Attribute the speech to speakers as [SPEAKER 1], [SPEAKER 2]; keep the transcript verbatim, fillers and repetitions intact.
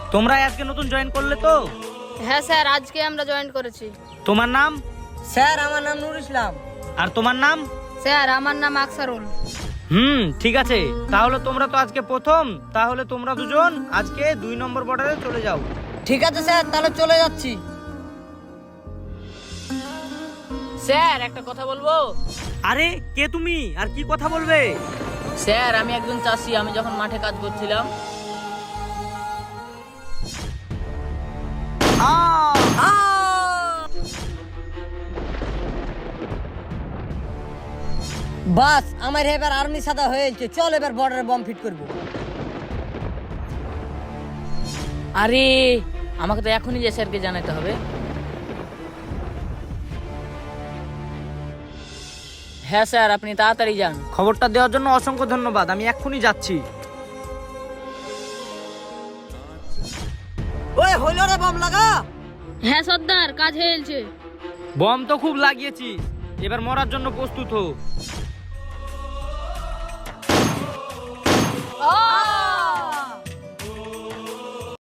[SPEAKER 1] তোমরা আজকে নতুন জয়েন করলে তো?
[SPEAKER 2] হ্যাঁ স্যার, আজকে আমরা জয়েন করেছি।
[SPEAKER 1] তোমার নাম?
[SPEAKER 3] স্যার আমার নাম নুর ইসলাম।
[SPEAKER 1] আর তোমার নাম?
[SPEAKER 2] স্যার আমার নাম আকসারুল।
[SPEAKER 1] হুম, ঠিক আছে। তাহলে তোমরা তো আজকে প্রথম, তাহলে তোমরা দুজন আজকে দুই নম্বর বর্ডারে চলে যাও।
[SPEAKER 3] ঠিক আছে স্যার, তাহলে চলে যাচ্ছি।
[SPEAKER 4] স্যার একটা কথা বলবো?
[SPEAKER 1] আরে কে তুমি, আর কি কথা বলবে?
[SPEAKER 4] স্যার আমি একজন চাষি, আমি যখন মাঠে কাজ করছিলাম
[SPEAKER 3] বাস আমার এবার আর্মি সাদা হয়েছে, চল এবার বর্ডারে বম ফিট করব।
[SPEAKER 4] আরে আমাকে তো এখনই যে স্যারকে জানাতে হবে। হ্যাঁ স্যার, আপনি তাড়াতাড়ি যান।
[SPEAKER 1] খবরটা দেওয়ার জন্য অসংখ্য ধন্যবাদ, আমি এক্ষুনি যাচ্ছি।
[SPEAKER 3] ওই হইল রে, বম লাগা।
[SPEAKER 2] হ্যাঁ সর্দার, কাজ হয়েছে।
[SPEAKER 1] বম তো খুব লাগিয়েছি, এবার মরার জন্য প্রস্তুত হো।